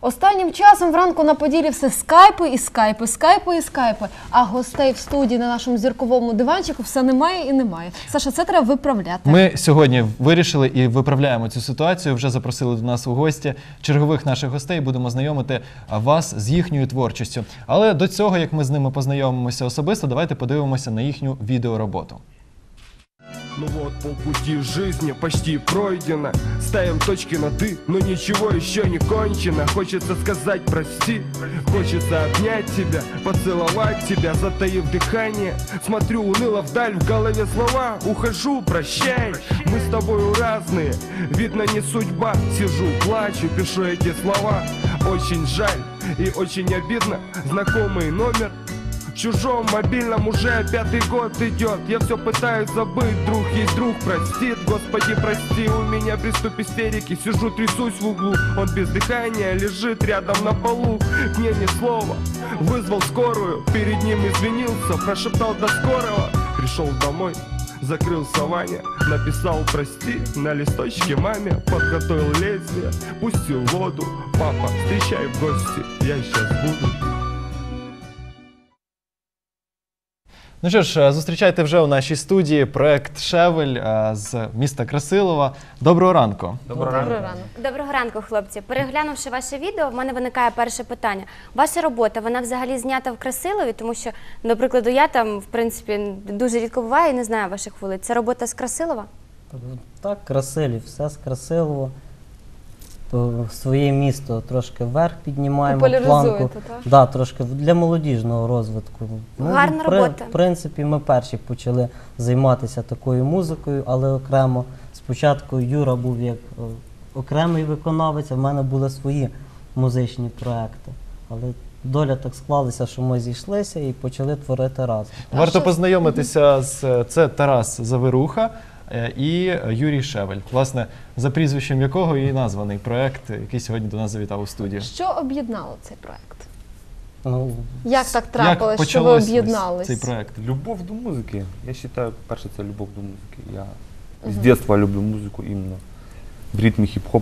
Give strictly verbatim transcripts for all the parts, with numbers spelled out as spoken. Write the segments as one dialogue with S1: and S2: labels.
S1: Останнім часом вранку на Поділі все скайпи і скайпи, скайпи і скайпи, а гостей в студії на нашому зірковому диванчику все немає і немає. Саша, це треба виправляти.
S2: Ми сьогодні вирішили і виправляємо цю ситуацію, вже запросили до нас у гості чергових наших гостей, будемо знайомити вас з їхньою творчістю. Але до цього, як ми з ними познайомимося особисто, давайте подивимося на їхню відеороботу.
S3: Ну вот, полпути жизни почти пройдено. Ставим точки над «и», но ничего еще не кончено. Хочется сказать прости, хочется обнять тебя, поцеловать тебя, затаив дыхание. Смотрю уныло вдаль, в голове слова, ухожу, прощай. Мы с тобою разные, видно не судьба. Сижу, плачу, пишу эти слова. Очень жаль и очень обидно, знакомый номер в чужом мобильном уже пятый год идет. Я все пытаюсь забыть, друг есть друг, простит. Господи, прости, у меня приступ истерики. Сижу, трясусь в углу, он без дыхания лежит рядом на полу. Мне ни слова, вызвал скорую, перед ним извинился, прошептал до скорого. Пришел домой, закрылся Ваня, написал прости на листочке маме. Подготовил лезвие, пустил воду. Папа, встречай в гости, я сейчас буду.
S2: Ну що ж, зустрічайте вже у нашій студії проект «Шевель» з міста Красилова. Доброго ранку.
S1: Доброго ранку.
S4: Доброго ранку, хлопці. Переглянувши ваше відео, в мене виникає перше питання. Ваша робота, вона взагалі знята в Красилові? Тому що, до прикладу, я там, в принципі, дуже рідко буваю і не знаю ваших вулиць. Це робота з Красилова?
S5: Так, Красилів, все з Красилова. Своє місто трошки вверх піднімаємо планку.
S1: Так?
S5: Да, трошки для молодіжного розвитку.
S4: Гарна
S5: ну,
S4: робота.
S5: В принципі, ми перші почали займатися такою музикою, але окремо. Спочатку Юра був як окремий виконавець, а в мене були свої музичні проекти. Але доля так склалася, що ми зійшлися і почали творити разом.
S2: Варто познайомитися з це Тарас Завируха і Юрій Шевель, власне, за прізвищем якого і названий проект, який сьогодні до нас завітав у студію.
S1: Що об'єднало цей проект?
S5: Ну,
S1: Як так трапилось,
S2: як
S1: що ви об'єднались?
S2: цей проект?
S6: Любов до музики. Я вважаю, перше, це любов до музики. Я з дитинства люблю музику іменно в ритмі хіп-хоп.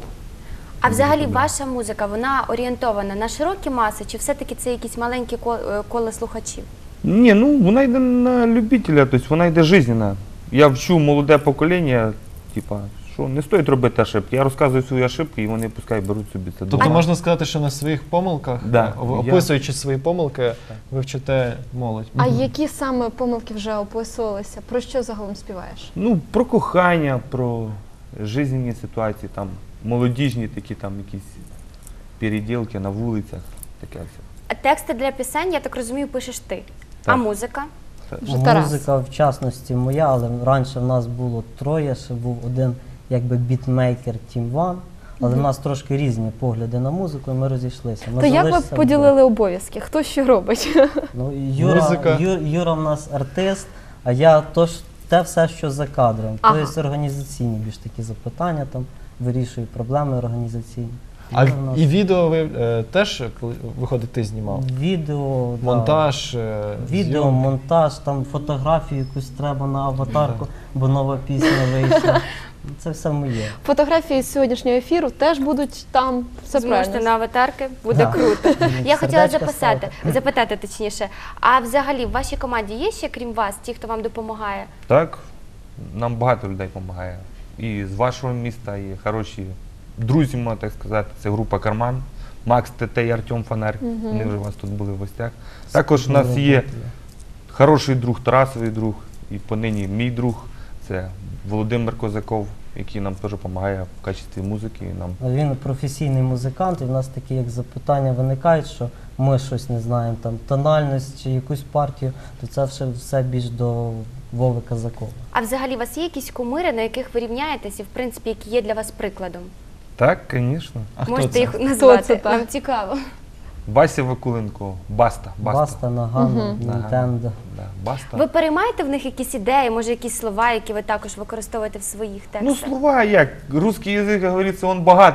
S4: А взагалі ваша музика, вона орієнтована на широкі маси, чи все-таки це якісь маленькі коло слухачів?
S6: Ні, ну вона йде на любителя, тобто вона йде жизненна. Я вчу молоде покоління, типа, що не стоїть робити ошибки. Я розказую свої ошибки і вони пускай беруть собі це.
S2: Тобто можна сказати, що на своїх помилках,
S6: да,
S2: описуючи
S6: я...
S2: свої помилки, ви вчите молодь.
S1: А угу. які саме помилки вже описувалися? Про що загалом співаєш?
S6: Ну, про кохання, про жизненні ситуації, там, молодіжні такі там якісь переділки на вулицях, таке все.
S4: Тексти для пісень, я так розумію, пишеш ти.
S6: Так.
S4: А музика?
S5: Музика, в частності, моя, але раніше в нас було троє, ще був один якби бітмейкер Тім Ван, але в нас трошки різні погляди на музику, і ми розійшлися. Ми
S1: То як ви поділили обов'язки? Хто що робить?
S5: Ну, Юра, Юра, Юра в нас артист, а я то ж, те все, що за кадром.
S1: Ага.
S5: Тобто організаційні більш такі запитання, там, вирішую проблеми організаційні.
S2: А нас... і відео ви е, теж, виходить, ти знімав?
S5: Відео,
S2: монтаж,
S5: да.
S2: е,
S5: Відео,
S2: зйомки.
S5: монтаж, там фотографію якусь треба на аватарку, бо нова пісня вийшла. Це все моє.
S1: Фотографії з сьогоднішнього ефіру теж будуть там, все
S4: Зможете
S1: правильно.
S4: на аватарки, буде
S5: Да.
S4: круто. Я хотіла
S5: Сердечко
S4: записати, запитати точніше, а взагалі в вашій команді є ще, крім вас, ті, хто вам допомагає?
S6: Так, нам багато людей допомагає. І з вашого міста, і хороші друзі, можна так сказати, це група «Карман», Макс ТТ і Артем Фонарь, угу. Вони вже у вас тут були в гостях. Також у нас є хороший друг, Тарасовий друг, і понині мій друг, це Володимир Козаков, який нам теж допомагає в качестві музики. Нам...
S5: Він професійний музикант, і в нас такі як запитання виникають, що ми щось не знаємо, там тональність чи якусь партію, то це все, все більш до Вови Козакова.
S4: А взагалі у вас є якісь кумири, на яких ви рівняєтесь і, в принципі, які є для вас прикладом?
S6: Так, звісно.
S2: А хто
S4: Можете
S2: це?
S4: їх назвати?
S1: Хто це,
S4: Нам цікаво.
S6: Вася Вакуленко, Баста. Баста,
S5: Баста, Нагано, Нінтендо.
S6: Да, Баста.
S4: Ви переймаєте в них якісь ідеї, може якісь слова, які ви також використовуєте в своїх текстах?
S6: Ну, слова як? Русский язык, как говорится, он богат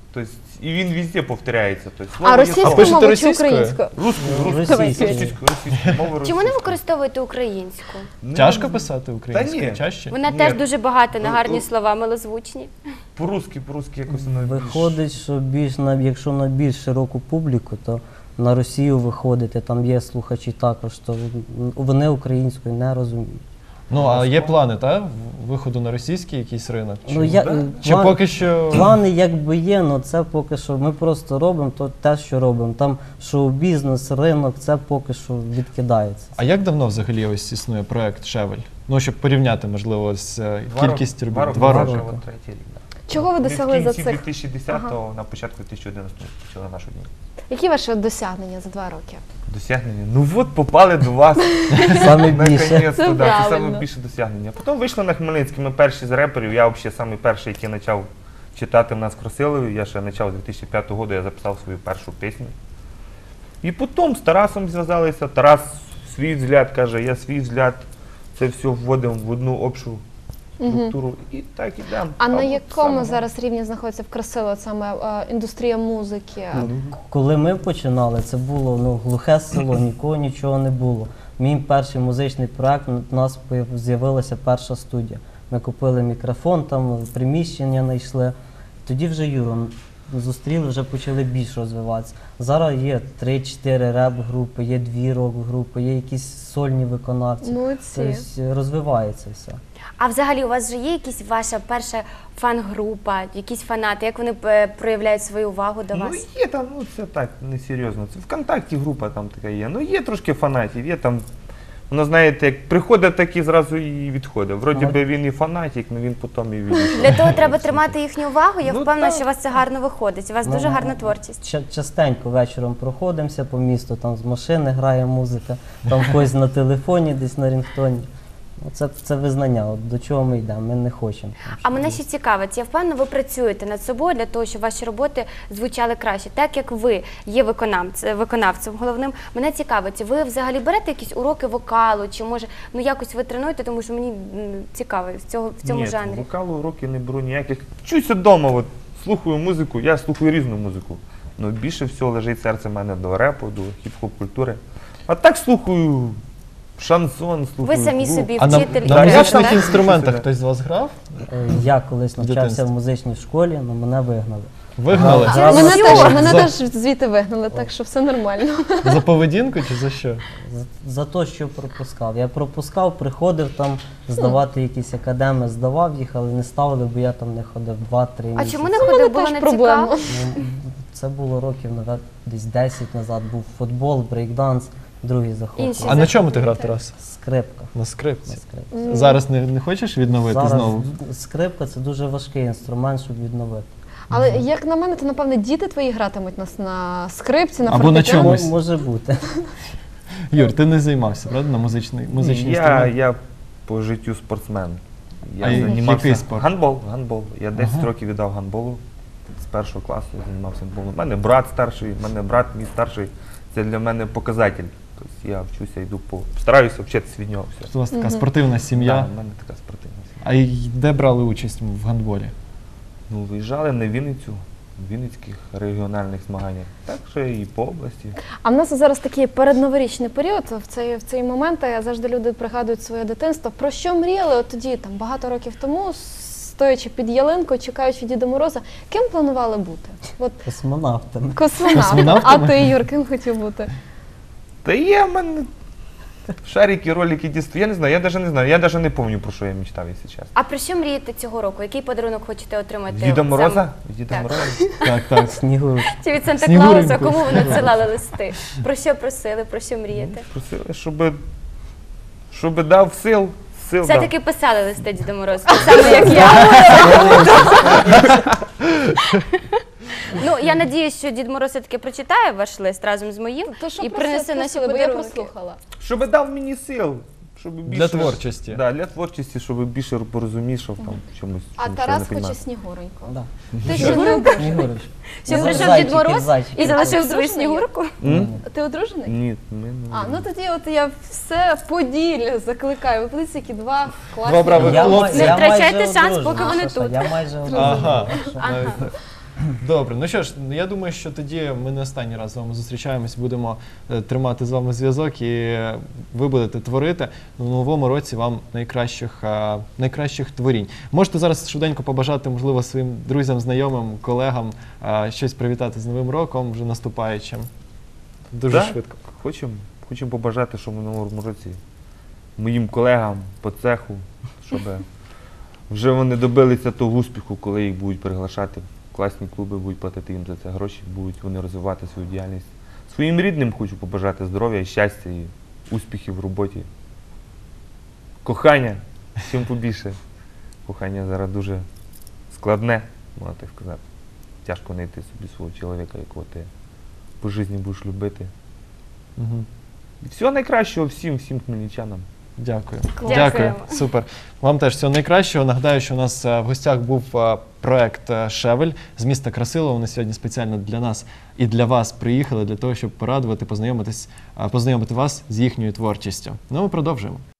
S6: Тобто, і він везде повторяється. Тобто,
S1: А
S6: слово є
S1: російською
S6: слово.
S2: пишете
S1: мовою чи
S2: російською?
S1: українською?
S6: Русскою, русскою,
S5: Російською.
S6: російською, російською, мовою
S4: Чому не
S6: російською.
S4: використовуєте українську?
S6: Ну,
S2: Тяжко писати українською?
S6: ні.
S2: Чаще?
S4: Вона
S6: Ні.
S4: теж дуже багата на
S6: Ну,
S4: гарні
S6: ну,
S4: слова, милозвучні.
S6: По-русски, по-русски якось воно більш-
S5: Виходить, що більш на якщо на більш широку публіку, то на Росію виходити, там є слухачі також, то вони українською не розуміють.
S2: Ну, а є плани, та? Виходу на російський якийсь ринок? Чи,
S5: Ну, я,
S6: да?
S5: е,
S2: чи
S5: план-
S2: поки що...
S5: Плани якби є, але це поки що ми просто робимо то те, що робимо. Там шоу-бізнес, ринок, це поки що відкидається.
S2: А як давно взагалі ось існує проект «Шевель»? Ну, щоб порівняти, можливо, з е,
S6: Два
S2: кількістю
S6: роки.
S2: робіт.
S6: Два
S2: Два
S6: роки.
S2: роки.
S6: От третій рік, да.
S1: Чого ви
S6: Ми
S1: досягли за
S6: в кінці
S1: цих?
S6: дві тисячі десятого, на початку дві тисячі одинадцятого почали нашу дні.
S1: Які ваші досягнення за два роки?
S6: Досягнення. Ну от попали до вас.
S5: Саме більше.
S6: Наконець-то,
S1: Це
S6: да, це
S1: правильно.
S6: саме більше досягнення. Потім вийшли на Хмельницький, ми перші з реперів, я взагалі самий перший, який почав читати в нас в Красилові. Я ще почав з дві тисячі п'ятого року, я записав свою першу пісню. І потім з Тарасом зв'язалися. Тарас свій взгляд каже, я свій взгляд. Це все вводимо в одну общу структуру. І так ідемо.
S1: А на
S6: от
S1: якому
S6: самого.
S1: зараз рівні знаходиться в Красило саме е, індустрія музики?
S5: Коли ми починали, це було ну, глухе село, нікого нічого не було. Мій перший музичний проект, у нас появ- з'явилася перша студія. Ми купили мікрофон, там приміщення знайшли. Тоді вже Юру зустріли, вже почали більш розвиватися. Зараз є три-чотири реп-групи, є дві рок-групи, є якісь сольні виконавці.
S1: Молодці.
S5: Тобто розвивається все.
S4: А взагалі у вас вже є якась ваша перша фан-група, якісь фанати, як вони е, проявляють свою увагу до
S6: Ну
S4: вас?
S6: є там, ну це так, несерйозно. Це ВКонтакті група там така є. Ну є трошки фанатів, є там. Воно, знаєте, як приходить, так і зразу і відходить. Вроді
S5: Ага.
S6: би він і фанатик, але він потім і відійшов.
S4: Для того треба тримати їхню увагу. Я
S6: Ну,
S4: впевнена,
S6: так.
S4: що у вас це гарно виходить. У вас
S5: Ну,
S4: дуже гарна творчість.
S5: Ча- Частенько вечором проходимося по місту, там з машини грає музика, там хтось на телефоні, десь на рінгтоні. Ну, Це, це визнання, от до чого ми йдемо, ми не хочемо.
S4: А мене ще цікавить, я впевнена, ви працюєте над собою для того, щоб ваші роботи звучали краще. Так як ви є виконавцем, виконавцем головним, мене цікавить, ви взагалі берете якісь уроки вокалу, чи може ну якось ви тренуєте, тому що мені м, цікаво в цього в цьому
S6: Ні,
S4: жанрі.
S6: вокалу уроки не беру ніяких. Вчуся вдома, от, слухаю музику, я слухаю різну музику. Ну більше всього лежить серце в мене до репу, до хіп-хоп культури. А так слухаю шансон,
S4: Ви
S6: слухаю.
S4: самі
S6: клуб.
S4: собі
S2: А на,
S4: вчитель і
S2: на
S6: Так, я
S2: музичних
S6: так.
S2: інструментах
S6: Себе.
S2: хтось з вас грав?
S5: Е, Я колись навчався
S2: Дитинство.
S5: в музичній школі, але мене вигнали.
S2: Вигнали?
S5: А,
S1: А, мене
S5: За-
S1: теж, мене
S2: за-
S1: теж звідти вигнали, так що все нормально.
S2: За поведінку чи за що?
S5: За, за те, що пропускав. Я пропускав, приходив там здавати якісь академи, здавав їх, але не ставили, бо я там не ходив два-три
S4: А
S5: місяці.
S4: чому не
S1: Це в мене
S4: ходив? Було
S1: теж
S4: не
S1: проблема.
S4: цікаво.
S5: Ну, це було років, навіть, десь десять назад. Був футбол, брейкданс, другий захоп.
S4: Інші
S2: А на чому ти
S4: заходи,
S2: грав,
S4: так.
S2: Тарас?
S5: Скрипка.
S2: На
S5: На
S2: скрипці.
S5: скрипці.
S2: Зараз не, не хочеш відновити
S5: Зараз
S2: знову?
S5: скрипка це дуже важкий інструмент, щоб відновити.
S1: Але як на мене, то напевне діти твої гратимуть нас на скрипці, на
S2: Або на
S1: фортепіано.
S2: чомусь.
S5: Ну, може бути.
S2: Юр, ти не займався, правда, на музичний, музичний
S6: я,
S2: інструмент?
S6: я по життю спортсмен. Я
S2: А
S6: займався
S2: який спорт?
S6: гандбол, гандбол. Я десять
S2: Ага.
S6: років віддав гандболу. З першого класу я займався гандболом. У мене брат старший, у мене брат мій старший. Це для мене показатель. Тобто я вчуся, йду по. Стараюся вчитися від нього. Все.
S2: У вас така спортивна сім'я.
S6: Да, у мене така спортивна сім'я.
S2: А й де брали участь в гандболі?
S6: Ну, виїжджали на Вінницю, в Вінницьких регіональних змаганнях. Так же і по області.
S1: А в нас зараз такий передноворічний період. В цей, в цей момент е, завжди люди пригадують своє дитинство. Про що мріяли от тоді, там багато років тому, стоячи під ялинкою, чекаючи Діда Мороза, ким планували бути? От
S5: Космонавтами.
S1: космонавт. А
S2: Космонавтами?
S1: ти, Юр, ким хотів бути?
S6: Та є в мене шарики, ролики, дійсно. Я не знаю, я навіть не знаю. Я навіть не пам'ятаю, про що я мечтав, якщо чесно.
S4: А про що мрієте цього року? Який подарунок хочете отримати?
S6: Діда
S4: саме?
S6: Мороза? Діда
S4: Так.
S6: Мороза?
S2: Так, так.
S5: Снігурочка.
S4: Чи від Санта
S2: Снігуреньку.
S4: Клауса? Кому ви надсилали листи? Про що просили, про що мрієте?
S6: Просили, щоб, щоб дав сил, сил дав.
S4: Все-таки писали листи Діду Морозу, так само, як я. Ну, я надіюсь, що Дід Мороз все-таки прочитає ваш лист разом з моїм
S1: То що
S4: і
S1: просили,
S4: принесе наші
S1: просили, бо я
S4: подарунки.
S1: прослухала.
S6: Щоб дав мені сил. Щоб більше,
S2: творчості.
S6: Да, для творчості, щоб більше порозумішав там в чомусь.
S1: А
S6: чомусь, що я
S1: Тарас
S6: не
S1: хоче
S6: понімаю.
S1: Снігуреньку.
S5: Да.
S1: Ти ще не одружений?
S5: Снігурочка.
S4: Щоб
S5: За-
S4: прийшов
S5: зайчики,
S4: Дід Мороз
S5: зайчики.
S4: і залишив
S1: А,
S4: свою
S1: одружений
S4: снігурку?
S6: М?
S1: Ти одружений?
S6: Ні, ми не.
S1: А, ну тоді от я все Поділля закликаю. Ви подивіться, які два класні.
S2: Два брави
S5: Я
S2: хлопці.
S5: май-
S4: Не
S5: я
S4: втрачайте
S5: майже
S4: шанс,
S5: одружений.
S4: поки вони
S5: Саша,
S4: тут.
S5: Я майже
S2: Ага.
S5: одружений.
S2: Навіть так. Добре, ну що ж, я думаю, що тоді ми не останній раз з вами зустрічаємось, будемо е, тримати з вами зв'язок, і е, ви будете творити в новому році вам найкращих, е, найкращих творінь. Можете зараз швиденько побажати, можливо, своїм друзям, знайомим, колегам е, щось привітати з Новим роком, вже наступаючим. Дуже
S6: Да?
S2: швидко.
S6: Хочемо хочем побажати, щоб в новому році моїм колегам по цеху, щоб вже вони добилися того успіху, коли їх будуть приглашати в класні клуби, будуть платити їм за це гроші, будуть вони розвивати свою діяльність. Своїм рідним хочу побажати здоров'я, і щастя і успіхів в роботі. Кохання, чим побільше. Кохання зараз дуже складне, можна так сказати. Тяжко знайти собі свого чоловіка, якого ти по житті будеш любити.
S2: Угу.
S6: І всього найкращого всім, всім хмельничанам.
S2: Дякую.
S4: Дякуємо.
S2: Дякую. Супер. Вам теж всього найкращого. Нагадаю, що у нас е, в гостях був е, проект е, «Шевель» з міста Красилова. Вони сьогодні спеціально для нас і для вас приїхали, для того, щоб порадувати, познайомитись, е, познайомити вас з їхньою творчістю. Ну, ми продовжуємо.